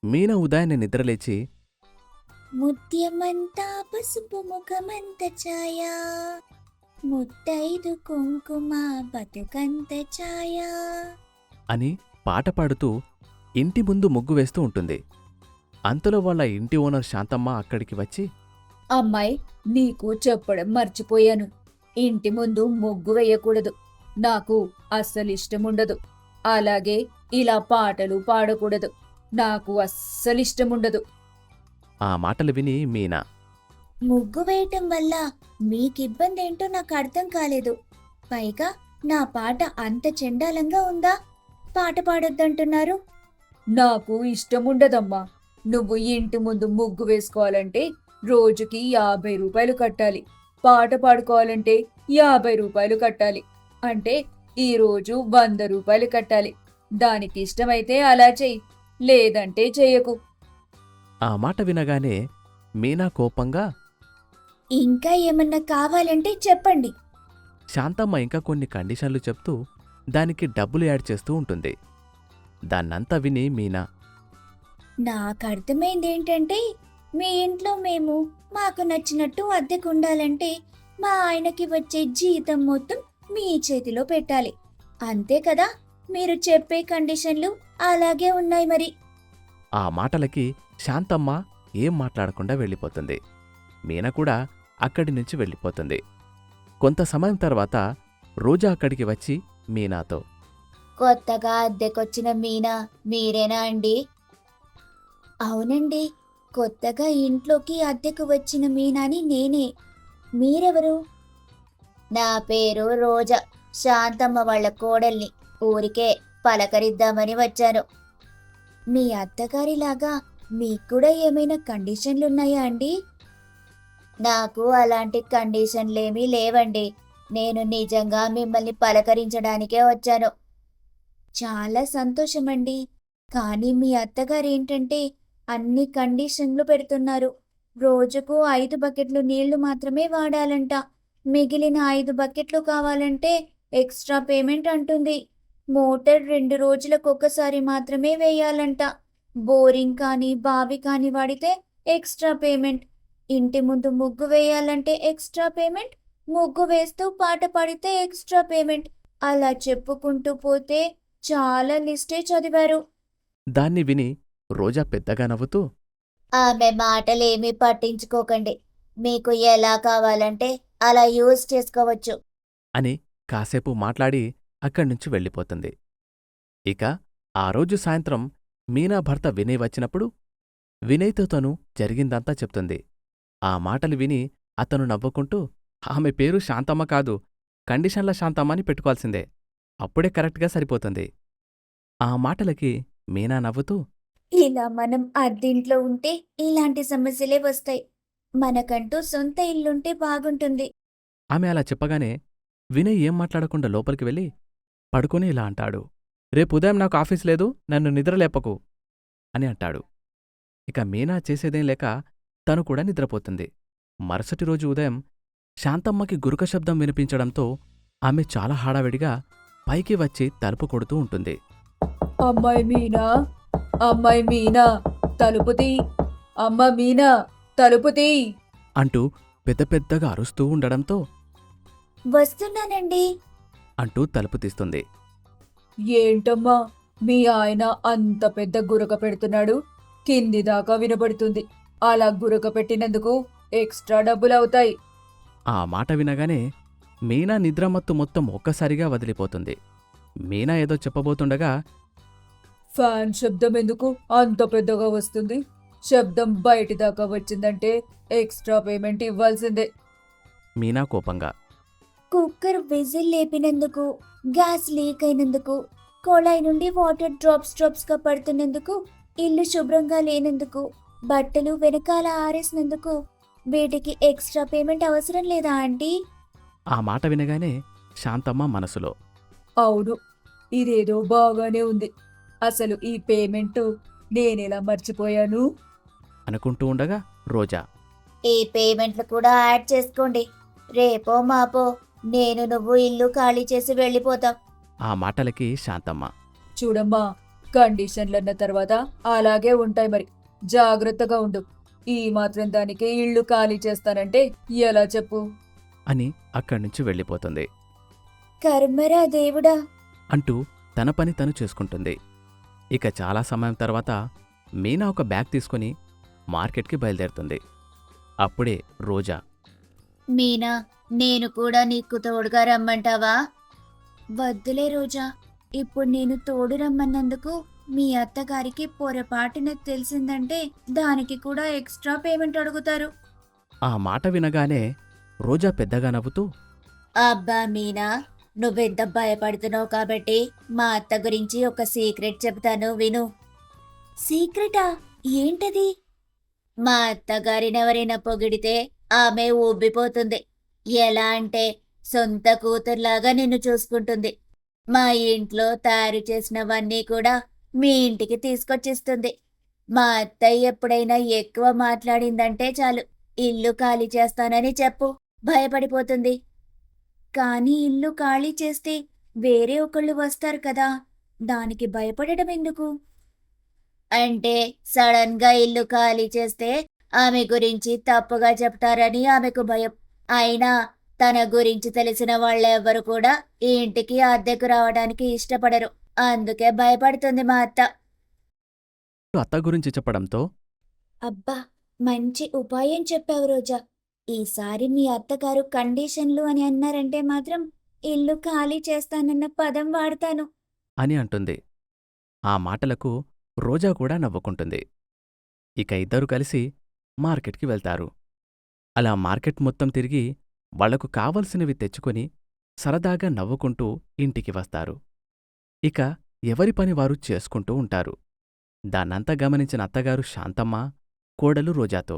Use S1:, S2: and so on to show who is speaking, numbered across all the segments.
S1: మీనా ఉదయాన్నే నిద్రలేచి
S2: ముత్యమంతా పసుపు ముఖమంత ఛాయ, ముత్తైదు కుంకుమ బతుకంత ఛాయ.
S1: అని పాట పాడుతూ ఇంటి ముందు ముగ్గు వేస్తూ ఉంటుంది. అంతలో వాళ్ళ ఇంటి ఓనర్ శాంతమ్మ అక్కడికి వచ్చి,
S3: అమ్మాయి, నీకు చెప్పడం మర్చిపోయాను. ఇంటి ముందు ముగ్గు వేయకూడదు. నాకు అస్సలు ఇష్టముండదు. అలాగే ఇలా పాటలు పాడకూడదు. నాకు అస్సలు ఇష్టముండదు.
S1: ఆ మాటలు విని మీనా,
S2: ముగ్గు వేయటం వల్ల మీకిబ్బంది ఏంటో నాకు అర్థం కాలేదు. పైగా నా పాట అంత చెండాలంగా ఉందా? పాట పాడొద్దంటున్నారు.
S3: నాకు ఇష్టముండదమ్మా. నువ్వు ఇంటి ముందు ముగ్గు వేసుకోవాలంటే రోజుకి 50 రూపాయలు కట్టాలి. పాట పాడుకోవాలంటే 50 రూపాయలు కట్టాలి. అంటే ఈ రోజు 100 రూపాయలు కట్టాలి. దానికి ఇష్టమైతే అలా చెయ్యి, లేదంటే చెయ్యకు.
S1: ఆ మాట వినగానే మీనా కోపంగా,
S2: ఇంకా ఏమన్నా కావాలంటే చెప్పండి.
S1: శాంతమ్మ ఇంకా కొన్ని కండిషన్లు చెప్తూ దానికి డబ్బులు యాడ్ చేస్తూ ఉంటుంది. దాన్నంతా విని మీనా,
S2: నాకు అర్థమైందేంటంటే, మీ ఇంట్లో మేము మాకు నచ్చినట్టు అద్దెకుండాలంటే మా ఆయనకి వచ్చే జీతం మొత్తం మీ చేతిలో పెట్టాలి. అంతే కదా? మీరు చెప్పే కండిషన్లు అలాగే ఉన్నాయి మరి.
S1: ఆ మాటలకి శాంతమ్మ ఏం మాట్లాడకుండా వెళ్ళిపోతుంది. మీనా కూడా అక్కడి నుంచి వెళ్ళిపోతుంది. కొంత సమయం తర్వాత రోజా అక్కడికి వచ్చి మీనాతో,
S2: కొత్తగా అద్దెకొచ్చిన మీనా మీరేనా అండి? అవునండి, కొత్తగా ఇంట్లోకి అద్దెకు వచ్చిన మీనాని నేనే. మీరెవరు? నా పేరు రోజా, శాంతమ్మ వాళ్ళ కోడల్ని. ఊరికే పలకరిద్దామని వచ్చాను. మీ అత్తగారిలాగా మీకు కూడా ఏమైనా కండిషన్లున్నాయా అండి? నాకు అలాంటి కండిషన్లేమీ లేవండి. నేను నిజంగా మిమ్మల్ని పలకరించడానికే వచ్చాను. చాలా సంతోషమండి. కానీ మీ అత్తగారేంటంటే అన్ని కండిషన్లు పెడుతున్నారు. రోజుకు 5 బకెట్లు నీళ్లు మాత్రమే వాడాలంట. మిగిలిన 5 బకెట్లు కావాలంటే ఎక్స్ట్రా పేమెంట్ అంటుంది. మోటార్ 2 రోజులకొకసారి మాత్రమే వేయాలంట. బోరింగ్ కానీ బావి కానీ వాడితే ఎక్స్ట్రా పేమెంట్. ఇంటి ముందు ముగ్గు వేయాలంటే ఎక్స్ట్రా పేమెంట్. ముగ్గు వేస్తూ పాట పాడితే ఎక్స్ట్రా పేమెంట్. అలా చెప్పుకుంటూ పోతే చాలా లిస్టే చదివారు.
S1: దాన్ని విని రోజా పెద్దగా నవ్వుతూ,
S2: ఆమె మాటలేమీ పట్టించుకోకండి. మీకు ఎలా కావాలంటే అలా యూజ్ చేసుకోవచ్చు.
S1: అని కాసేపు మాట్లాడి అక్కడ్నుంచి వెళ్ళిపోతుంది. ఇక ఆ రోజు సాయంత్రం మీనా భర్త వినయ్ వచ్చినప్పుడు వినయ్తో తను జరిగిందంతా చెప్తుంది. ఆ మాటలు విని అతను నవ్వుకుంటూ, ఆమె పేరు శాంతమ్మ కాదు, కండిషన్ల శాంతమ్మ అని పెట్టుకోవాల్సిందే. అప్పుడే కరెక్ట్గా సరిపోతుంది. ఆ మాటలకి మీనా నవ్వుతూ,
S2: ఇలా మనం అద్దెంట్లో ఉంటే ఇలాంటి సమస్యలే వస్తాయి. మనకంటూ సొంత ఇల్లుంటే బాగుంటుంది.
S1: ఆమె అలా చెప్పగానే వినయ్ ఏం మాట్లాడకుండా లోపలికి వెళ్ళి పడుకొని ఇలా అంటాడు, రేపు ఉదయం నాకు ఆఫీస్ లేదు, నన్ను నిద్రలేపకు అని అంటాడు. ఇక మీనా చేసేదేం లేక తను కూడా నిద్రపోతుంది. మరుసటి రోజు ఉదయం శాంతమ్మకి గురక శబ్దం వినిపించడంతో ఆమె చాలా హడావిడిగా పైకి వచ్చి తలుపు కొడుతూ ఉంటుంది.
S3: అమ్మాయి మీనా, అమ్మాయి మీనా, తలుపు తీ. అమ్మ మీనా, తలుపు తీ
S1: అంటూ పెద్ద పెద్దగా అరుస్తూ ఉండడంతో
S2: వస్తున్నానండి.
S1: అంటూ తలుపు తీస్తుంది.
S3: ఏంటమ్మా, మీ ఆయన అంత పెద్ద గురక పెడుతున్నాడు? కింది దాకా వినబడుతుంది. అలా గురక పెట్టినందుకు ఎక్స్ట్రా డబ్బులవుతాయి.
S1: ఆ మాట వినగానే మీనా నిద్రమత్తు మొత్తం ఒక్కసారిగా వదిలిపోతుంది. మీనా ఏదో చెప్పబోతుండగా
S3: ఫ్యాన్ శబ్దం ఎందుకు అంత పెద్దగా వస్తుంది? శబ్దం బయటి దాకా వచ్చిందంటే ఎక్స్ట్రా పేమెంట్ ఇవ్వాల్సిందే.
S1: మీనా కోపంగా,
S2: కుక్కర్ విజిల్ లేపినందుకు, గ్యాస్ లీక్ అయినందుకు, కొళాయి నుండి వాటర్ డ్రాప్స్గా పడుతున్నందుకు, ఇల్లు శుభ్రంగా లేనందుకు, బట్టలు వెనకాల ఆరేసినందుకు వీటికి ఎక్స్ట్రా పేమెంట్ అవసరం లేదా ఆంటీ?
S1: ఆ మాట వినగానే శాంతమ్మ మనసులో,
S3: అవును, ఇదేదో బాగానే ఉంది. అసలు ఈ పేమెంట్ నేనెలా మర్చిపోయాను?
S1: అనుకుంటూ ఉండగా రోజా,
S2: ఈ పేమెంట్లు కూడా యాడ్ చేసుకోండి. రేపో మాపో నేను నువ్వు ఇల్లు ఖాళీ చేసి వెళ్ళిపోతాం.
S1: ఆ మాటలకి శాంతమ్మ,
S3: చూడమ్మా, కండిషన్లన్న తర్వాత అలాగే ఉంటాయి మరి. జాగ్రత్తగా ఉండు. ఈ మాత్రం దానికి ఇల్లు ఖాళీ చేస్తానంటే ఎలా చెప్పు?
S1: అని అక్కడ్నుంచి వెళ్ళిపోతుంది.
S2: కర్మరా దేవుడా.
S1: అంటూ తన పని తను చేసుకుంటుంది. ఇక చాలా సమయం తర్వాత మీనా ఒక బ్యాగ్ తీసుకుని మార్కెట్కి బయలుదేరుతుంది. అప్పుడే రోజా,
S2: మీనా, నేను కూడా నీకు తోడుగా రమ్మంటావా? వద్దులే రోజా. ఇప్పుడు నేను తోడు రమ్మన్నందుకు మీ అత్తగారికి పొరపాటున తెలిసిందంటే దానికి కూడా ఎక్స్ట్రా పేమెంట్ అడుగుతారు.
S1: ఆ మాట వినగానే రోజా పెద్దగా నవ్వుతూ,
S2: అబ్బా మీనా, నువ్వెంత భయపడుతున్నావు కాబట్టి మా అత్త గురించి ఒక సీక్రెట్ చెప్తాను విను. సీక్రెటా? ఏంటది? మా అత్తగారినెవరైనా పొగిడితే ఆమె ఊబ్బిపోతుంది. ఎలా అంటే సొంత కూతుర్లాగా నిన్ను చూసుకుంటుంది. మా ఇంట్లో తయారు చేసినవన్నీ కూడా మీ ఇంటికి తీసుకొచ్చిస్తుంది. మా అత్తయ్య ఎప్పుడైనా ఎక్కువ మాట్లాడిందంటే చాలు, ఇల్లు ఖాళీ చేస్తానని చెప్పు, భయపడిపోతుంది. కానీ ఇల్లు ఖాళీ చేస్తే వేరే ఒకళ్ళు వస్తారు కదా, దానికి భయపడడం ఎందుకు? అంటే సడన్ గా ఇల్లు ఖాళీ చేస్తే ఆమె గురించి తప్పుగా చెప్తారని ఆమెకు భయం. అయినా తన గురించి తెలిసిన వాళ్ళెవ్వరు కూడా ఈ ఇంటికి అద్దెకు రావడానికి ఇష్టపడరు. అందుకే భయపడుతుంది మా అత్త.
S1: అత్త గురించి చెప్పడంతో,
S2: అబ్బా, మంచి ఉపాయం చెప్పావు రోజా. ఈసారి మీ అత్తగారు కండిషన్లు అని అన్నారంటే మాత్రం ఇల్లు ఖాళీ చేస్తానన్న పదం వాడతాను.
S1: అని అంటుంది. ఆ మాటలకు రోజా కూడా నవ్వుకుంటుంది. ఇక ఇద్దరూ కలిసి మార్కెట్కి వెళ్తారు. అలా మార్కెట్ మొత్తం తిరిగి వాళ్లకు కావలసినవి తెచ్చుకొని సరదాగా నవ్వుకుంటూ ఇంటికి వస్తారు. ఇక ఎవరి పని వారు చేసుకుంటూ ఉంటారు. దాన్నంతా గమనించిన అత్తగారు శాంతమ్మ కోడలు రోజాతో,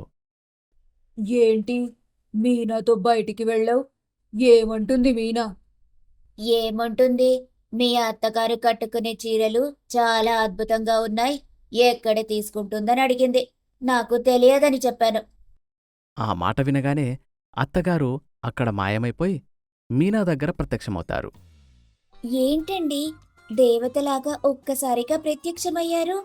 S3: ఏంటి మీనాతో బయటికి వెళ్ళావు? ఏమంటుంది మీనా?
S2: ఏముంటుంది, మీ అత్తగారు కట్టుకునే చీరలు చాలా అద్భుతంగా ఉన్నాయి, ఎక్కడ తీసుకుంటుందని అడిగింది. నాకు తెలియదని చెప్పాను.
S1: ఆ మాట వినగానే అత్తగారు అక్కడ మాయమైపోయి మీనా దగ్గర ప్రత్యక్షమవుతారు.
S2: ఏంటండి, దేవతలాగా ఒక్కసారిగా ప్రత్యక్షమయ్యారు?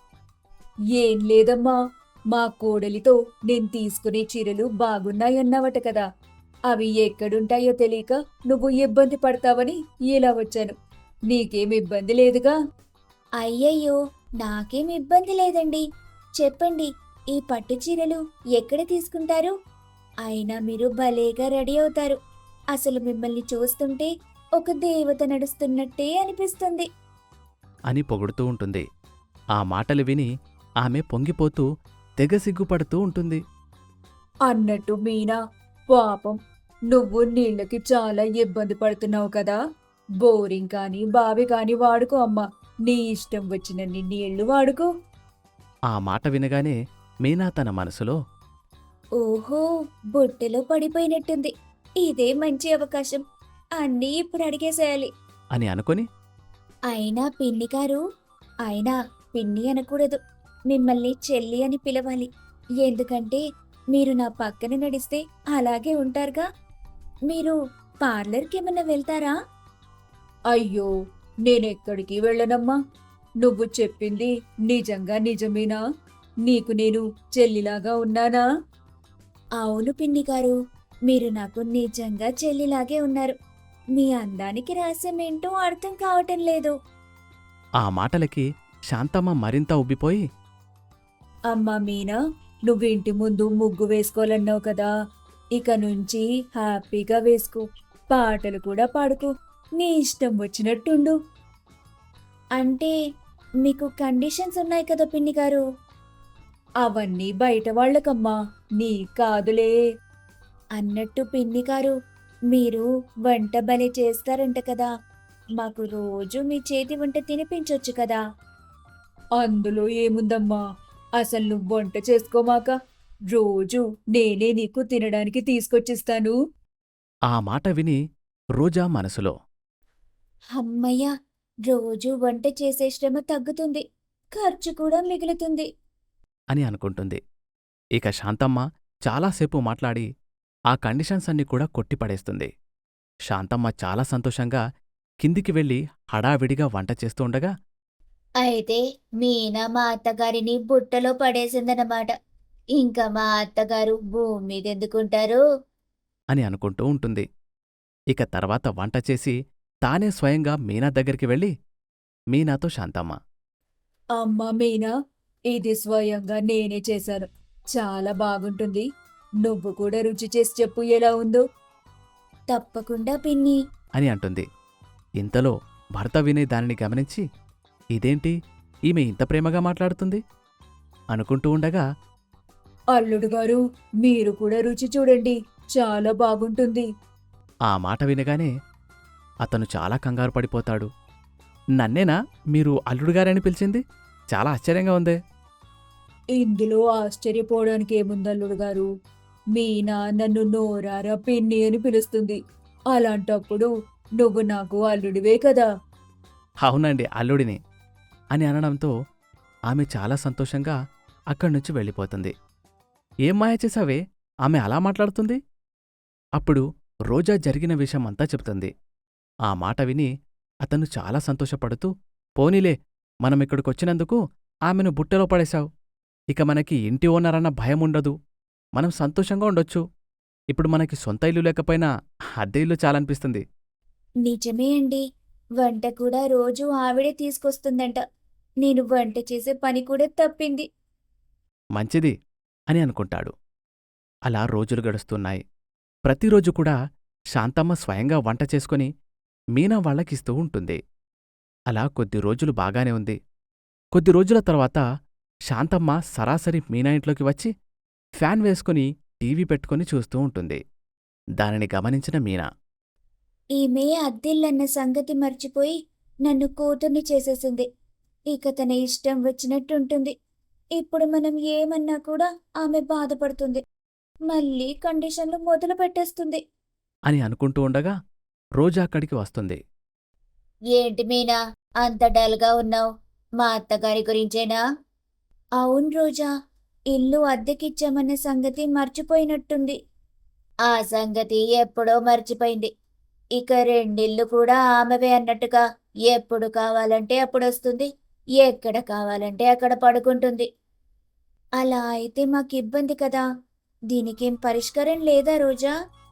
S3: ఏం లేదమ్మా, మా కోడలితో నేను తీసుకునే చీరలు బాగున్నాయన్నావట కదా, అవి ఎక్కడుంటాయో తెలియక నువ్వు ఇబ్బంది పడతావని ఇలా వచ్చాను. నీకేం ఇబ్బంది లేదుగా?
S2: అయ్యయ్యో, నాకేం ఇబ్బంది లేదండి. చెప్పండి, ఈ పట్టు చీరలు ఎక్కడ తీసుకుంటారు? అయినా మీరు భలేగా రెడీ అవుతారు. అసలు మిమ్మల్ని చూస్తుంటే ఒక దేవత నడుస్తున్నట్టే అనిపిస్తుంది.
S1: అని పొగుడుతూ ఉంటుంది. ఆ మాటలు విని ఆమె పొంగిపోతూ తెగ సిగ్గుపడుతూ ఉంటుంది.
S3: అన్నట్టు మీనా, పాపం నువ్వు నీళ్ళకి చాలా ఇబ్బంది పడుతున్నావు కదా, బోరింగ్ కానీ బావి కానీ వాడుకో అమ్మా, నీ ఇష్టం వచ్చినన్ని నీళ్లు వాడుకో.
S1: ఆ మాట వినగానే మీనా తన మనసులో,
S2: ఓహో, బుట్టలో పడిపోయినట్టుంది. ఇదే మంచి అవకాశం. అన్నీ ఇప్పుడు అడిగేసేయాలి.
S1: అని అనుకొని,
S2: అయినా పిన్ని గారు, అయినా పిన్ని అనకూడదు, మిమ్మల్ని చెల్లి అని పిలవాలి. ఎందుకంటే మీరు నా పక్కన నడిస్తే అలాగే ఉంటారుగా. మీరు పార్లర్కి ఏమన్నా వెళ్తారా?
S3: అయ్యో, నేనెక్కడికి వెళ్ళనమ్మా. నువ్వు చెప్పింది నిజంగా నిజమేనా? నీకు నేను చెల్లిలాగా ఉన్నానా?
S2: అవును పిన్ని గారు, మీరు నాకు నిజంగా చెల్లిలాగే ఉన్నారు. మీ అందానికి రహస్యం ఏంటో అర్థం కావటం లేదు.
S1: ఆ మాటలకి శాంతమ్మ మరింత ఉబ్బిపోయి,
S3: అమ్మా మీనా, నువ్వు ఇంటి ముందు ముగ్గు వేసుకోవాలన్నావు కదా, ఇక నుంచి హ్యాపీగా వేసుకో, పాటలు కూడా పాడుకో, నీ ఇష్టం వచ్చినట్టుండు.
S2: అంటే మీకు కండిషన్స్ ఉన్నాయి కదా పిన్ని గారు.
S3: అవన్నీ బయట వాళ్ళకమ్మా, నీ కాదులే.
S2: అన్నట్టు పిన్ని గారు, మీరు వంట భలే చేస్తారంట కదా, మాకు రోజు మీ చేతి వంట తినిపించొచ్చు కదా.
S3: అందులో ఏముందమ్మా, అసలు నువ్వు వంట చేసుకోమాక రోజు నేనే నీకు తినడానికి తీసుకొచ్చిస్తాను.
S1: ఆ మాట విని రోజా మనసులో,
S2: అమ్మయ్య, రోజు వంట చేసే శ్రమ తగ్గుతుంది, ఖర్చు కూడా మిగులుతుంది.
S1: అని అనుకుంటుంది. ఇక శాంతమ్మ చాలాసేపు మాట్లాడి ఆ కండిషన్స్ అన్ని కూడా కొట్టిపడేస్తుంది. శాంతమ్మ చాలా సంతోషంగా కిందికి వెళ్ళి హడావిడిగా వంట చేస్తూ ఉండగా
S2: అయితే మీనా మా అత్తగారిని బుట్టలో పడేసిందన్నమాట. ఇంకా మా అత్తగారు భూమి మీద ఎందుకుంటారు?
S1: అని అనుకుంటూ ఉంటుంది. ఇక తర్వాత వంట చేసి తానే స్వయంగా మీనా దగ్గరికి వెళ్ళి మీనాతో శాంతమ్మ.
S3: అమ్మా మీనా, ఇది స్వయంగా నేనే చేశాను. చాలా బాగుంటుంది. నువ్వు కూడా రుచి చేసి చెప్పు ఎలా ఉందో.
S2: తప్పకుండా పిన్ని.
S1: అని అంటుంది. ఇంతలో భర్త వినయ్ దానిని గమనించి ఇదేంటి ఈమె ఇంత ప్రేమగా మాట్లాడుతుంది అనుకుంటూ ఉండగా
S3: అల్లుడు గారు, మీరు కూడా రుచి చూడండి. చాలా బాగుంటుంది.
S1: ఆ మాట వినగానే అతను చాలా కంగారు పడిపోతాడు. నన్నేనా మీరు అల్లుడుగారని పిలిచింది? చాలా ఆశ్చర్యంగా ఉందే.
S3: ఇందులో ఆశ్చర్యపోవడానికి ఏముంది అల్లుడు గారు? మీనా నన్ను నోరారా పిన్ని అని పిలుస్తుంది. అలాంటప్పుడు నువ్వు నాకు అల్లుడివే కదా.
S1: అవునండి, అల్లుడిని అని అనడంతో ఆమె చాలా సంతోషంగా అక్కడ్నుంచి వెళ్ళిపోతుంది. ఏం మాయ చేశావే ఆమె అలా మాట్లాడుతుంది? అప్పుడు రోజా జరిగిన విషయమంతా చెప్తుంది. ఆ మాట విని అతను చాలా సంతోషపడుతూ పోనీలే, మనమిక్కడికొచ్చినందుకు ఆమెను బుట్టలో పడేశావు. ఇక మనకి ఇంటి ఓనరన్న భయముండదు. మనం సంతోషంగా ఉండొచ్చు. ఇప్పుడు మనకి సొంత ఇల్లు లేకపోయినా అద్దె ఇల్లు చాలనిపిస్తుంది.
S2: నిజమే అండి. వంట కూడా రోజూ ఆవిడే తీసుకొస్తుందంట. నేను వంట చేసే పని కూడా తప్పింది.
S1: మంచిది అని అనుకుంటాడు. అలా రోజులు గడుస్తున్నాయి. ప్రతిరోజు కూడా శాంతమ్మ స్వయంగా వంట చేసుకుని మీనా వాళ్ళకిస్తూ ఉంటుంది. అలా కొద్ది రోజులు బాగానే ఉంది. కొద్ది రోజుల తర్వాత శాంతమ్మ సరాసరి మీనా ఇంట్లోకి వచ్చి ఫ్యాన్ వేసుకుని టీవీ పెట్టుకుని చూస్తూ ఉంటుంది. దానిని గమనించిన మీనా
S2: ఈమె అద్దిల్లన్న సంగతి మర్చిపోయి నన్ను కూతుర్ని చేసేసింది. ఇక తన ఇష్టం వచ్చినట్టుంటుంది. ఇప్పుడు మనం ఏమన్నా కూడా ఆమె బాధపడుతుంది. మళ్ళీ కండిషన్లు మొదలు పెట్టేస్తుంది.
S1: అని అనుకుంటూ ఉండగా రోజా అక్కడికి వస్తుంది.
S2: ఏంటి మీనా అంత డల్గా ఉన్నావు? మా అత్తగారి గురించేనా? అవును రోజా, ఇల్లు అద్దెకిచ్చామన్న సంగతి మర్చిపోయినట్టుంది. ఆ సంగతి ఎప్పుడో మర్చిపోయింది. ఇక రెండిల్లు కూడా ఆమెవే అన్నట్టుగా ఎప్పుడు కావాలంటే అప్పుడొస్తుంది, ఎక్కడ కావాలంటే అక్కడ పడుకుంటుంది. అలా అయితే మాకిబ్బంది కదా. దీనికేం పరిష్కారం లేదా రోజా?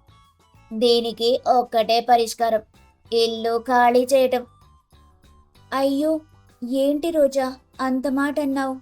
S2: దీనికి ఒక్కటే పరిష్కారం, ఇల్లు ఖాళీ చేయటం. అయ్యో, ఏంటి రోజా అంత మాట అన్నావు?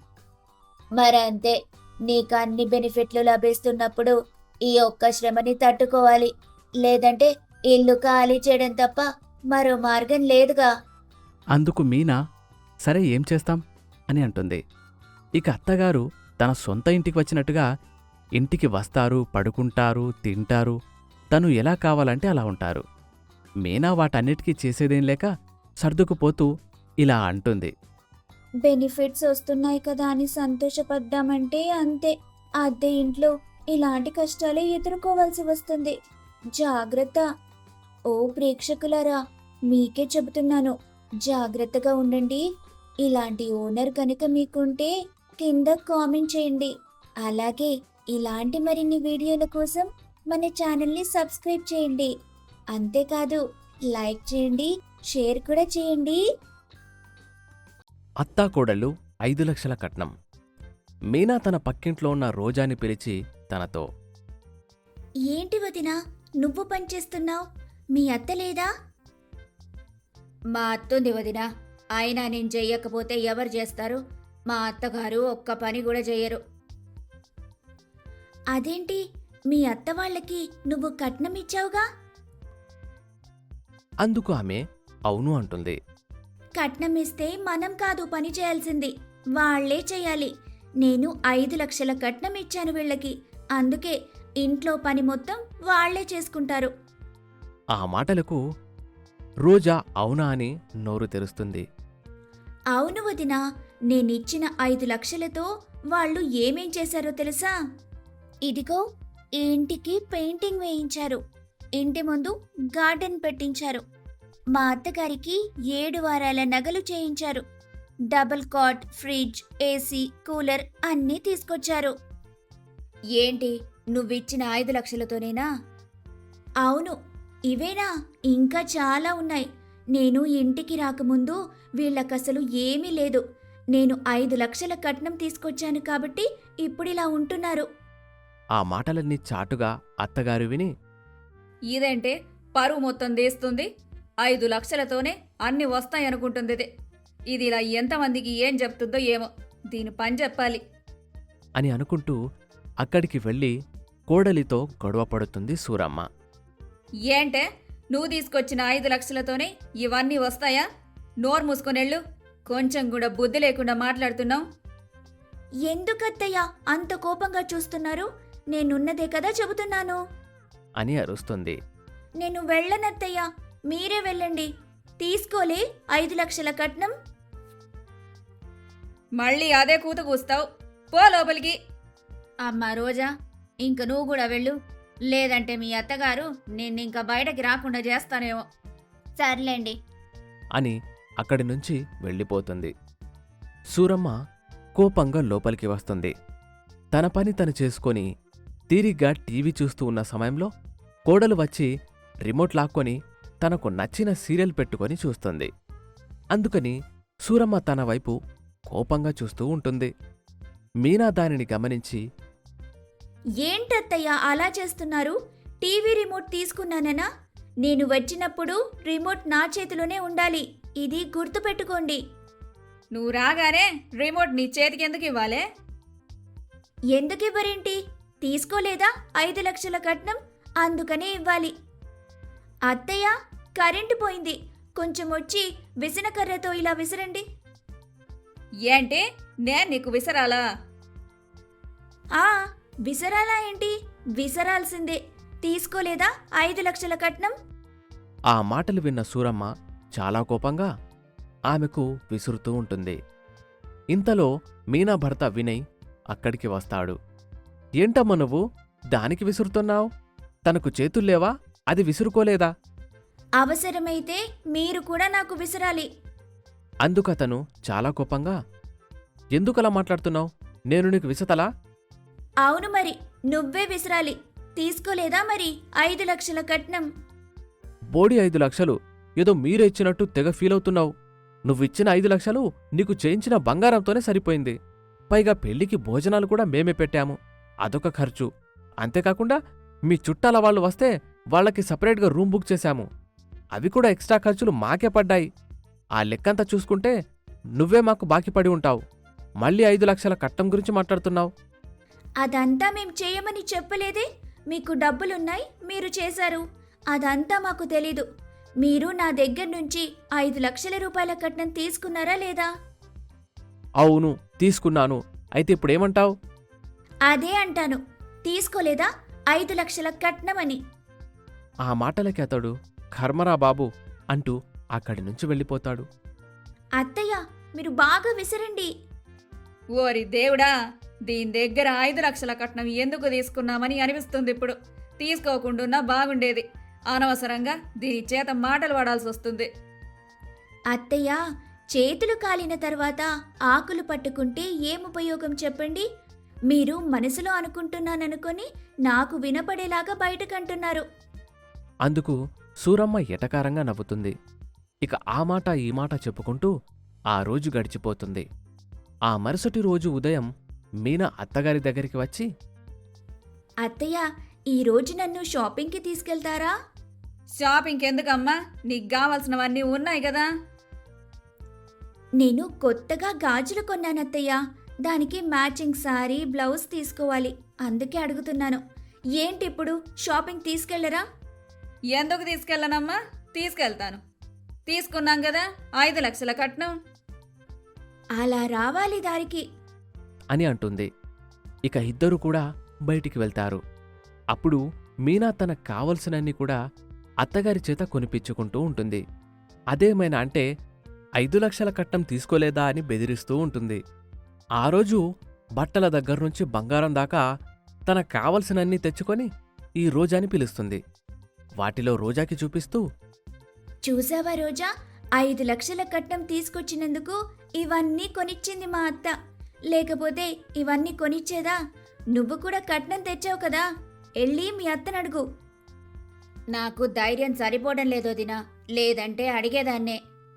S2: మరంతే, నీకు అన్ని బెనిఫిట్లు లభిస్తున్నప్పుడు ఈ ఒక్క శ్రమని తట్టుకోవాలి. లేదంటే ఇల్లు ఖాళీ చేయడం తప్ప మరో మార్గం లేదుగా.
S1: అందుకు మీనా సరే ఏం చేస్తాం అని అంటుంది. ఇక అత్తగారు తన సొంత ఇంటికి వచ్చినట్టుగా ఇంటికి వస్తారు, పడుకుంటారు, తింటారు, తను ఎలా కావాలంటే అలా ఉంటారు. మీనా వాటన్నిటికీ చేసేదేం లేక సర్దుకుపోతూ ఇలా అంటుంది.
S2: బెనిఫిట్స్ వస్తున్నాయి కదా అని సంతోషపడ్డామంటే అంతే, అద్దె ఇంట్లో ఇలాంటి కష్టాలే ఎదుర్కోవాల్సి వస్తుంది. జాగ్రత్త. ఓ ప్రేక్షకులారా, మీకే చెబుతున్నాను, జాగ్రత్తగా ఉండండి. ఇలాంటి ఓనర్ కనుక మీకుంటే కింద కామెంట్ చేయండి. అలాగే ఇలాంటి మరిన్ని వీడియోల కోసం మన ఛానల్ని సబ్స్క్రైబ్ చేయండి. అంతేకాదు, లైక్ చేయండి, షేర్ కూడా చేయండి.
S1: అత్తాకోడళ్ళు 5 లక్షల కట్నం. మీనా తన పక్కింట్లో ఉన్న రోజాని పిలిచి తనతో
S2: ఏంటి వదినా, నువ్వు పనిచేస్తున్నావు? మీ అత్త లేదా? మా అత్తుంది వదినా. అయినా నేను చెయ్యకపోతే ఎవరు చేస్తారు? మా అత్తగారు ఒక్క పని కూడా చెయ్యరు. అదేంటి, మీ అత్త వాళ్ళకి నువ్వు కట్నం ఇచ్చావుగా?
S1: అందుకు ఆమె అవును అంటుంది.
S2: కట్నం ఇస్తే మనం కాదు పని చేయాల్సింది, వాళ్లే చేయాలి. నేను 5 లక్షల కట్నం ఇచ్చాను వీళ్ళకి. అందుకే ఇంట్లో పని మొత్తం వాళ్లే చేసుకుంటారు.
S1: ఆ మాటలకు రోజా అవునా అని నోరు తెరుస్తుంది.
S2: అవును వదినా, నేనిచ్చిన 5 లక్షలతో వాళ్ళు ఏమేం చేశారో తెలుసా? ఇదిగో, ఈ ఇంటికి పెయింటింగ్ వేయించారు, ఇంటి ముందు గార్డెన్ పెట్టించారు, మా అత్తగారికి 7 వారాల నగలు చేయించారు, double cot, fridge, AC, cooler అన్నీ తీసుకొచ్చారు. ఏంటి, నువ్విచ్చిన 5 లక్షలతోనేనా? అవును, ఇవేనా? ఇంకా చాలా ఉన్నాయి. నేను ఇంటికి రాకముందు వీళ్ళకసలు ఏమీ లేదు. నేను 5 లక్షల కట్నం తీసుకొచ్చాను కాబట్టి ఇప్పుడిలా ఉంటున్నారు.
S1: ఆ మాటలన్నీ చాటుగా అత్తగారు విని,
S3: ఇదేంటే పరువు మొత్తం తీస్తుంది. 5 లక్షలతోనే అన్ని వస్తాయనుకుంటుంది ఇది ఇలా ఎంతమందికి ఏం చెప్తుందో ఏమో. దీని పని చెప్పాలి.
S1: అని అనుకుంటూ అక్కడికి వెళ్ళి కోడలితో గొడవ పడుతుంది సూరమ్మ.
S3: ఏంటే నువ్వు తీసుకొచ్చిన 5 లక్షలతోనే ఇవన్నీ వస్తాయా? నోరు మూసుకొనెళ్ళు. కొంచెం కూడా బుద్ధి లేకుండా మాట్లాడుతున్నావు.
S2: ఎందుకత్తయ్యా అంత కోపంగా చూస్తున్నారు? నేనున్నదే కదా చెబుతున్నాను.
S1: అని అరుస్తుంది.
S2: నేను వెళ్ళనత్తయ్యా, మీరే వెళ్ళండి. తీసుకోలే 5 లక్షల కట్నం.
S3: మళ్ళీ అదే కూత కూస్తావు. పో లోపలికి.
S2: అమ్మా రోజా, ఇంక నువ్వు కూడా వెళ్ళు. లేదంటే మీ అత్తగారు నిన్నింక బయటకి రాకుండా చేస్తానేమో. సర్లేండి
S1: అని అక్కడి నుంచి వెళ్ళిపోతుంది. సూరమ్మ కోపంగా లోపలికి వస్తుంది. తన పని తను చేసుకొని తీరిగ్గా టీవీ చూస్తూ ఉన్న సమయంలో కోడలు వచ్చి రిమోట్ లాక్కొని తనకు నచ్చిన సీరియల్ పెట్టుకొని చూస్తుంది. అందుకని సూరమ్మ తన వైపు కోపంగా చూస్తూ ఉంటుంది. మీనా దానిని గమనించి,
S2: ఏంటత్తయ్యా అలా చేస్తున్నారు? టీవీ రిమోట్ తీసుకున్నాననా? నేను వచ్చినప్పుడు రిమోట్ నా చేతిలోనే ఉండాలి. ఇది గుర్తుపెట్టుకోండి.
S3: నువ్వు రాగానే రిమోట్ నీ చేతికి ఎందుకు ఇవ్వాలే?
S2: ఎందుకివ్వరేంటి? తీసుకోలేదా 5 లక్షల కట్నం? అందుకనే ఇవ్వాలి. అత్తయ్య, కరెంటు పోయింది. కొంచెం వచ్చి విసనకర్రతో ఇలా విసరండి.
S3: ఏంటి నేను నీకు విసరాలా?
S2: ఆ విసరాలా ఏంటి? విసరాల్సిందే. తీసుకోలేదా 5 లక్షల కట్నం?
S1: ఆ మాటలు విన్న సూరమ్మ చాలా కోపంగా ఆమెకు విసురుతూ ఉంటుంది. ఇంతలో మీనా భర్త వినయ్ అక్కడికి వస్తాడు. ఏంటమ్మా నువ్వు దానికి విసురుతున్నావు? తనకు చేతుల్లేవా? అది విసురుకోలేదా?
S2: అవసరమైతే మీరు కూడా నాకు విసరాలి.
S1: అందుకతను చాలా కోపంగా, ఎందుకలా మాట్లాడుతున్నావు? నేను నీకు విసతలా?
S2: అవును మరి, నువ్వే విసరాలి. తీసుకోలేదా మరి 5 లక్షల కట్నం?
S1: బోడి 5 లక్షలు ఏదో మీరే ఇచ్చినట్టు తెగ ఫీలవుతున్నావు. నువ్విచ్చిన 5 లక్షలు నీకు చేయించిన బంగారంతోనే సరిపోయింది. పైగా పెళ్లికి భోజనాలు కూడా మేమే పెట్టాము. అదొక ఖర్చు. అంతేకాకుండా మీ చుట్టాల వాళ్ళు వస్తే వాళ్ళకి సపరేట్గా రూమ్ బుక్ చేశాము. అవి కూడా ఎక్స్ట్రా ఖర్చులు మాకే పడ్డాయి. ఆ లెక్కంతా చూసుకుంటే నువ్వే మాకు బాకీ పడి ఉంటావు. మళ్ళీ 5 లక్షల కట్నం గురించి మాట్లాడుతున్నావు.
S2: అదంతా మేం చేయమని చెప్పలేదే. మీకు డబ్బులున్నాయి, మీరు చేశారు. అదంతా మాకు తెలీదు. మీరు నా దగ్గర నుంచి 5 లక్షల రూపాయల కట్నం తీసుకున్నారా లేదా?
S1: అవును, తీసుకున్నాను. అయితే ఇప్పుడేమంటావు?
S2: అదే అంటాను. తీసుకోలేదా 5 లక్షల కట్నమని?
S1: ఆ మాటలకి అతడు కర్మరా బాబు అంటూ అక్కడి నుంచి వెళ్ళిపోతాడు.
S2: అత్తయ్య, మీరు బాగా విసరండి.
S3: ఓరి దేవుడా, దీని దగ్గర 5 లక్షల కట్నం ఎందుకు తీసుకున్నామని అనిపిస్తుంది ఇప్పుడు. తీసుకోకుండా బాగుండేది. అనవసరంగా దీని చేత మాటలు పడాల్సి వస్తుంది.
S2: అత్తయ్య, చేతులు కాలిన తర్వాత ఆకులు పట్టుకుంటే ఏం ఉపయోగం చెప్పండి? మీరు మనసులో అనుకుంటున్నాననుకొని నాకు వినపడేలాగా బయటకంటున్నారు.
S1: అందుకు సూరమ్మ ఎటకారంగా నవ్వుతుంది. ఇక ఆ మాట ఈ మాట చెప్పుకుంటూ ఆ రోజు గడిచిపోతుంది. ఆ మరుసటి రోజు ఉదయం మీనా అత్తగారి దగ్గరికి వచ్చి,
S2: అత్తయ్య, ఈరోజు నన్ను షాపింగ్కి తీసుకెళ్తారా?
S3: షాపింగ్ ఎందుకమ్మా? నీకు కావాల్సినవన్నీ ఉన్నాయి కదా.
S2: నేను కొత్తగా గాజులు కొన్నానత్తయ్య. దానికి మ్యాచింగ్ సారీ, బ్లౌజ్ తీసుకోవాలి. అందుకే అడుగుతున్నాను. ఏంటి ఇప్పుడు షాపింగ్ తీసుకెళ్లరా?
S3: ఎందుకు తీసుకెళ్ళనమ్మా? తీసుకెళ్తాను. తీసుకున్నాం కదా 5 లక్షల కట్నం.
S2: అలా రావాలి దారికి
S1: అని అంటుంది. ఇక ఇద్దరూ కూడా బయటికి వెళ్తారు. అప్పుడు మీనా తనకు కావలసినన్ని కూడా అత్తగారి చేత కొనిపించుకుంటూ ఉంటుంది. అదేమైనా అంటే 5 లక్షల కట్నం తీసుకోలేదా అని బెదిరిస్తూ ఉంటుంది. ఆ రోజు బట్టల దగ్గర్నుంచి బంగారం దాకా తనకు కావలసినన్ని తెచ్చుకొని ఈ రోజాని పిలుస్తుంది. వాటిలో రోజాకి చూపిస్తూ,
S2: చూసావా రోజా, 5 లక్షల కట్నం తీసుకొచ్చినందుకు ఇవన్నీ కొనిచ్చింది మా అత్త. లేకపోతే ఇవన్నీ కొనిచ్చేదా? నువ్వు కూడా కట్నం తెచ్చావు కదా, వెళ్ళి మీ అత్తనడుగు. నాకు ధైర్యం సరిపోవడం లేదో దినా. లేదంటే అడిగేదాన్నే.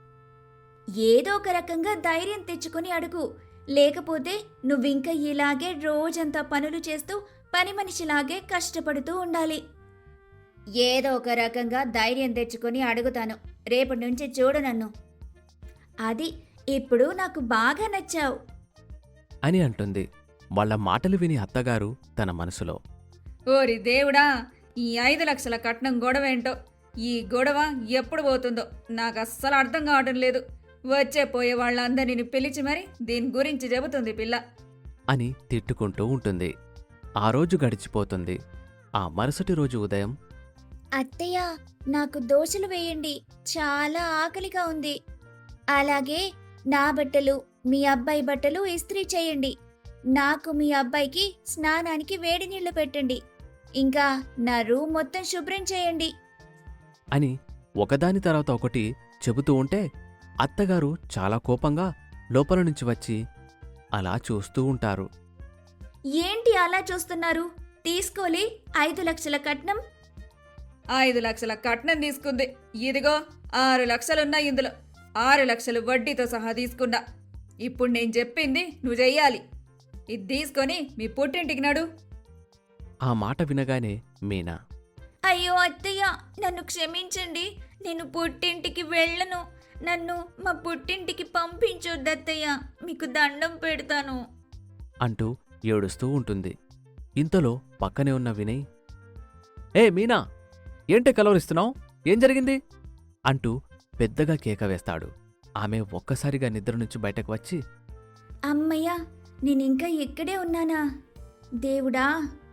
S2: ఏదో ఒక రకంగా ధైర్యం తెచ్చుకొని అడుగు. లేకపోతే నువ్వింక ఇలాగే రోజంతా పనులు చేస్తూ పని మనిషిలాగే కష్టపడుతూ ఉండాలి. ఏదో ఒక రకంగా ధైర్యం తెచ్చుకొని అడుగుతాను. రేపటి నుంచి చూడు నన్ను. అది ఇప్పుడు నాకు బాగా నచ్చావు
S1: అని అంటుంది. వాళ్ళ మాటలు విని అత్తగారు తన మనసులో,
S3: ఓరి దేవుడా, ఈ 5 లక్షల కట్నం గొడవేంటో, ఈ గొడవ ఎప్పుడు పోతుందో నాకు అస్సలు అర్థం కావడం లేదు. వచ్చే పోయే వాళ్ళందరినీ పిలిచి మరి దీని గురించి చెబుతుంది పిల్ల.
S1: అని తిట్టుకుంటూ ఉంటుంది. ఆ రోజు గడిచిపోతుంది. ఆ మరుసటి రోజు ఉదయం
S2: అత్తయ్య, నాకు దోశలు వేయండి, చాలా ఆకలిగా ఉంది. అలాగే నా బట్టలు, మీ అబ్బాయి బట్టలు ఇస్త్రీ చేయండి. నాకు మీ అబ్బాయికి స్నానానికి వేడి నీళ్లు పెట్టండి. ఇంకా నా రూమ్ మొత్తం శుభ్రం చేయండి.
S1: అని ఒకదాని తర్వాత ఒకటి చెబుతూ ఉంటే అత్తగారు చాలా కోపంగా లోపల నుంచి వచ్చి అలా చూస్తూ ఉంటారు.
S2: ఏంటి అలా చూస్తున్నారు? తీసుకోలే 5 లక్షల కట్నం.
S3: 5 లక్షల కట్నం తీసుకుంది. ఇదిగో 6 లక్షలున్నాయి ఇందులో. 6 లక్షలు వడ్డీతో సహా తీసుకున్నా. ఇప్పుడు నేను చెప్పింది నువ్వు చెయ్యాలి. ఇది తీసుకొని మీ పుట్టింటికి నడు.
S1: ఆ మాట వినగానే మీనా,
S2: అయ్యో అత్తయ్య, నన్ను క్షమించండి. నేను పుట్టింటికి వెళ్ళను. నన్ను మా పుట్టింటికి పంపించొద్దత్తయ్య, మీకు దండం పెడతాను
S1: అంటూ ఏడుస్తూ ఉంటుంది. ఇంతలో పక్కనే ఉన్న వినయ్, ఏ మీనా, ఏంటి కలవరిస్తున్నావు? ఏం జరిగింది? అంటూ పెద్దగా కేక వేస్తాడు. ఆమె ఒక్కసారిగా నిద్ర నుంచి బయటకు వచ్చి,
S2: అమ్మయ్య, నేనింకా ఇక్కడే ఉన్నానా? దేవుడా!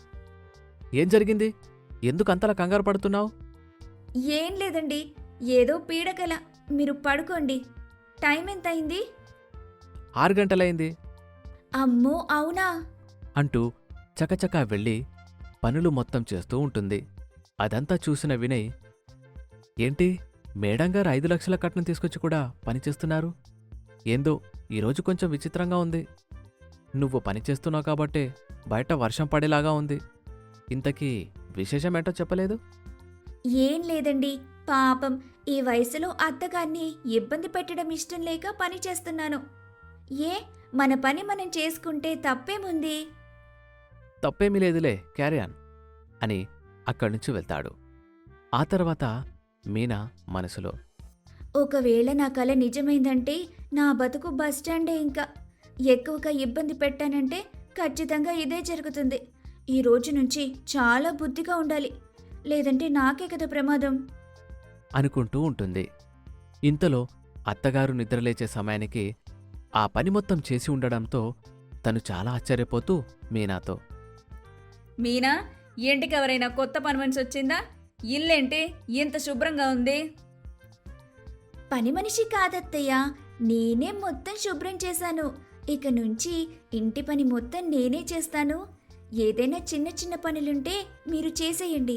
S1: ఏం జరిగింది? ఎందుకు అంతలా కంగారు పడుతున్నావు?
S2: ఏం లేదండి, ఏదో పీడకల. మీరు పడుకోండి. టైం ఎంతయింది?
S1: 6 గంటలైంది
S2: అమ్మో, అవునా?
S1: అంటూ చకచకా వెళ్ళి పనులు మొత్తం చేస్తూ ఉంటుంది. అదంతా చూసిన వినయ్, ఏంటి మేడంగారు 5 లక్షల కట్నం తీసుకొచ్చి కూడా పనిచేస్తున్నారు? ఏందో ఈరోజు కొంచెం విచిత్రంగా ఉంది. నువ్వు పనిచేస్తున్నావు కాబట్టే బయట వర్షం పడేలాగా ఉంది. ఇంతకీ విశేషమేంటో చెప్పలేదు?
S2: ఏం లేదండి, పాపం ఈ వయసులో అత్తగారిని ఇబ్బంది పెట్టడం ఇష్టం లేక పని చేస్తున్నాను. మన పని మనం చేసుకుంటే తప్పేముంది?
S1: తప్పేమీ లేదులే, క్యారియాన్ అని అక్కడ్నుంచి వెళ్తాడు. ఆ తర్వాత మీనా మనసులో,
S2: ఒకవేళ నా కల నిజమైందంటే నా బతుకు బస్టాండే. ఇంకా ఎక్కువగా ఇబ్బంది పెట్టానంటే ఖచ్చితంగా ఇదే జరుగుతుంది. ఈ రోజు నుంచి చాలా బుద్ధిగా ఉండాలి, లేదంటే నాకే కదా ప్రమాదం
S1: అనుకుంటూ ఉంటుంది. ఇంతలో అత్తగారు నిద్రలేచే సమయానికి ఆ పని మొత్తం చేసి ఉండడంతో తను చాలా ఆశ్చర్యపోతూ మీనాతో,
S3: మీనా, ఇంటికి ఎవరైనా కొత్త పని మనిషి వచ్చిందా? ఇల్లేంటి ఇంత శుభ్రంగా ఉంది?
S2: పని మనిషి కాదత్తయ్య, నేనే మొత్తం శుభ్రం చేశాను. ఇక నుంచి ఇంటి పని మొత్తం నేనే చేస్తాను. ఏదైనా చిన్న చిన్న పనులుంటే మీరు చేసేయండి.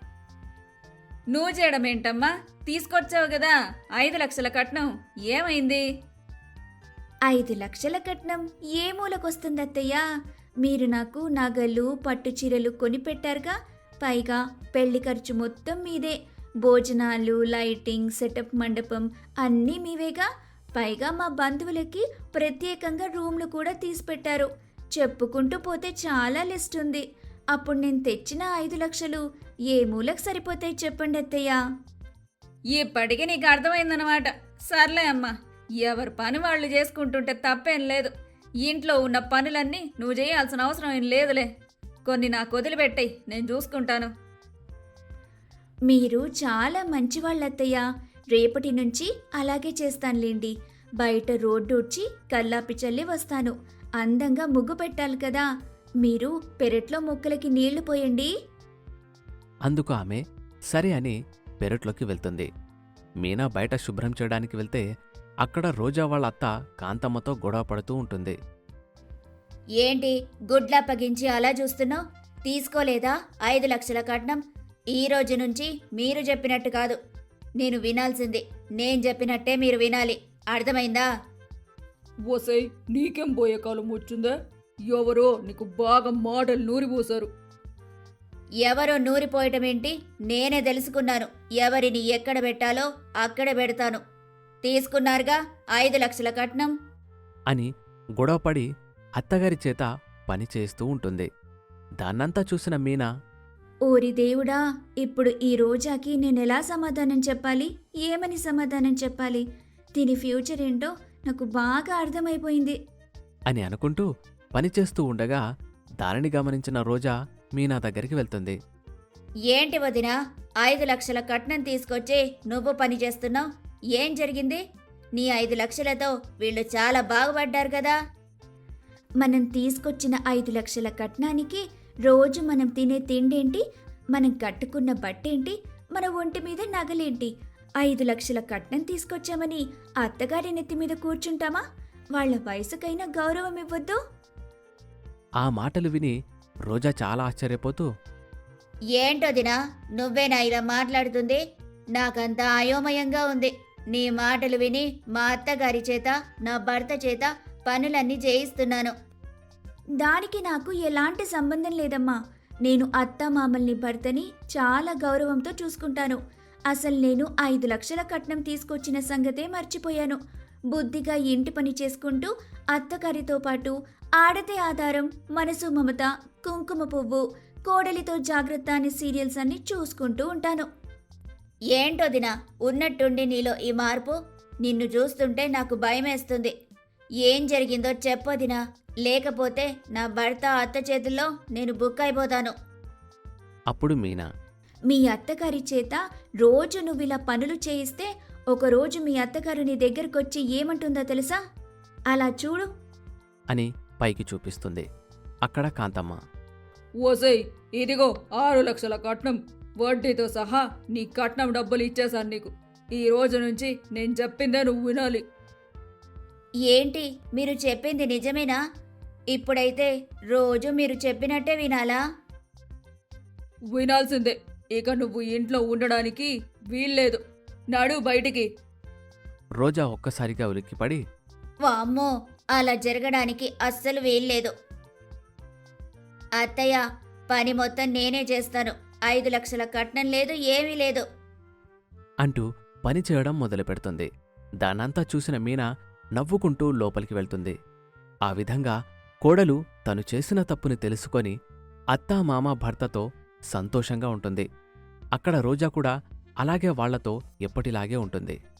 S3: నువ్వు చేయడం ఏంటమ్మా? తీసుకొచ్చావు కదా 5 లక్షల కట్నం, ఏమైంది?
S2: 5 లక్షల కట్నం ఏ మూలకొస్తుందత్తయ్య? మీరు నాకు నగలు, పట్టు చీరలు కొనిపెట్టారుగా. పైగా పెళ్లి ఖర్చు మొత్తం మీదే. భోజనాలు, లైటింగ్, సెటప్, మండపం అన్నీ మీవేగా. పైగా మా బంధువులకి ప్రత్యేకంగా రూమ్లు కూడా తీసిపెట్టారు. చెప్పుకుంటూ పోతే చాలా లిస్ట్ ఉంది. అప్పుడు నేను తెచ్చిన 5 లక్షలు ఏ మూలకు సరిపోతాయి చెప్పండి అత్తయ్య?
S3: ఇప్పటికీ నీకు అర్థమైందన్నమాట. సర్లే అమ్మా, ఎవరి పని వాళ్ళు చేసుకుంటుంటే తప్పేం లేదు. ఇంట్లో ఉన్న పనులన్నీ నువ్వు చేయాల్సిన అవసరం ఏం లేదులే. కొన్ని నాకు వదిలిపెట్టాయి, నేను చూసుకుంటాను.
S2: మీరు చాలా మంచివాళ్ళత్తయ్య. రేపటి నుంచి అలాగే చేస్తానులేండి. బయట రోడ్డు ఉడ్చి కల్లాపి చల్లి వస్తాను. అందంగా ముగ్గు పెట్టాలి కదా. మీరు పెరట్లో మొక్కలకి నీళ్లు పోయండి.
S1: అందుకు ఆమె సరే అని పెరట్లోకి వెళ్తుంది. మీనా బయట శుభ్రం చేయడానికి వెళ్తే అక్కడ రోజా వాళ్ళ అత్త కాంతమ్మతో గొడవ పడుతూ ఉంటుంది.
S2: ఏంటి గుడ్లా పగించి అలా చూస్తున్నావు? తీసుకోలేదా 5 లక్షల కట్నం? ఈ రోజు నుంచి మీరు చెప్పినట్టు కాదు, నేను వినాల్సింది. నేను చెప్పినట్టే మీరు వినాలి, అర్థమైందా?
S3: ఓసై, నీకేం పోయే కాలం వచ్చిందా? ఎవరో నీకు బాగా మాటలు నూరిపోసారు.
S2: ఎవరో నూరిపోయటమేంటి? నేనే తెలుసుకున్నాను. ఎవరిని ఎక్కడ పెట్టాలో అక్కడ పెడతాను. తీసుకున్నారుగా 5 లక్షల కట్నం.
S1: అని గొడవపడి అత్తగారి చేత పని చేస్తూ ఉంటుంది. దాన్నంతా చూసిన మీనా
S2: ఓరి దేవుడా, ఇప్పుడు ఈ రోజాకి నేనెలా సమాధానం చెప్పాలి? ఏమని సమాధానం చెప్పాలి? దీని ఫ్యూచర్ ఏంటో నాకు బాగా అర్థమైపోయింది.
S1: అని అనుకుంటూ పనిచేస్తూ ఉండగా దానిని గమనించిన రోజా మీనా దగ్గరికి వెళ్తుంది.
S2: ఏంటి వదినా, 5 లక్షల కట్నం తీసుకొచ్చి నువ్వు పని చేస్తున్నావు? ఏం జరిగింది? నీ 5 లక్షలతో వీళ్ళు చాలా బాగుపడ్డారు కదా. మనం తీసుకొచ్చిన 5 లక్షల కట్నానికి రోజు మనం తినే తిండేంటి, మనం కట్టుకున్న బట్టేంటి, మన ఒంటి మీద నగలేంటి? 5 లక్షల కట్నం తీసుకొచ్చామని అత్తగారి నెత్తి మీద కూర్చుంటామా? వాళ్ళ వయసుకైనా గౌరవం ఇవ్వద్దు?
S1: ఆ మాటలు విని రోజా చాలా ఆశ్చర్యపోతూ
S2: ఏంటోదినా, నువ్వేనా ఇలా మాట్లాడుతుంది? నాకంతా అయోమయంగా ఉంది. నీ మాటలు విని మా అత్తగారి చేత, నా భర్త చేత పనులన్నీ చేయిస్తున్నాను. దానికి నాకు ఎలాంటి సంబంధం లేదమ్మా. నేను అత్త మామల్ని భర్తని చాలా గౌరవంతో చూసుకుంటాను. అసలు నేను 5 లక్షల కట్నం తీసుకొచ్చిన సంగతే మర్చిపోయాను. బుద్ధిగా ఇంటి పని చేసుకుంటూ అత్తగారితో పాటు ఆడతే ఆధారం, మనసు మమత, కుంకుమ పువ్వు, కోడలితో జాగ్రత్త అనే సీరియల్స్ అన్ని చూసుకుంటూ ఉంటాను. ఏంటోదినా, ఉన్నట్టుండి నీలో ఈ మార్పు? నిన్ను చూస్తుంటే నాకు భయమేస్తుంది. ఏం జరిగిందో చెప్పొదినా, లేకపోతే నా భర్త అత్త చేతుల్లో నేను బుక్ అయిపోతాను.
S1: అప్పుడు మీనా
S2: మీ అత్తగారి చేత రోజు నువ్విలా పనులు చేయిస్తే ఒకరోజు మీ అత్తగారు నీ దగ్గరకొచ్చి ఏమంటుందో తెలుసా? అలా చూడు.
S1: అని పైకి చూపిస్తుంది. అక్కడ కాంతమ్మ
S3: ఓసై, ఇదిగో 6 లక్షల కట్నం, వడ్డీతో సహా నీ కట్నం డబ్బులు ఇచ్చేశాను నీకు. ఈ రోజు నుంచి నేను చెప్పిందే నువ్వు వినాలి.
S2: ఏంటి, మీరు చెప్పింది నిజమేనా? ఇప్పుడైతే రోజు మీరు చెప్పినట్టే వినాలా?
S3: వినాల్సిందే. ఇక నువ్వు ఇంట్లో ఉండడానికి వీల్లేదు. నడు బయటికి.
S1: రోజా ఒక్కసారిగా ఉలిక్కిపడి
S2: వామ్మో, అలా జరగడానికి అస్సలు వీల్లేదు. అత్తయ్య, పని మొత్తం నేనే చేస్తాను. 5 లక్షల కట్నం లేదు, ఏమీ లేదు.
S1: అంటూ పని చేయడం మొదలుపెడుతుంది. దానంతా చూసిన మీనా నవ్వుకుంటూ లోపలికి వెళ్తుంది. ఆ విధంగా కోడలు తను చేసిన తప్పుని తెలుసుకొని అత్తా మామ భర్తతో సంతోషంగా ఉంటుంది. అక్కడ రోజా కూడా అలాగే వాళ్లతో ఎప్పటిలాగే ఉంటుంది.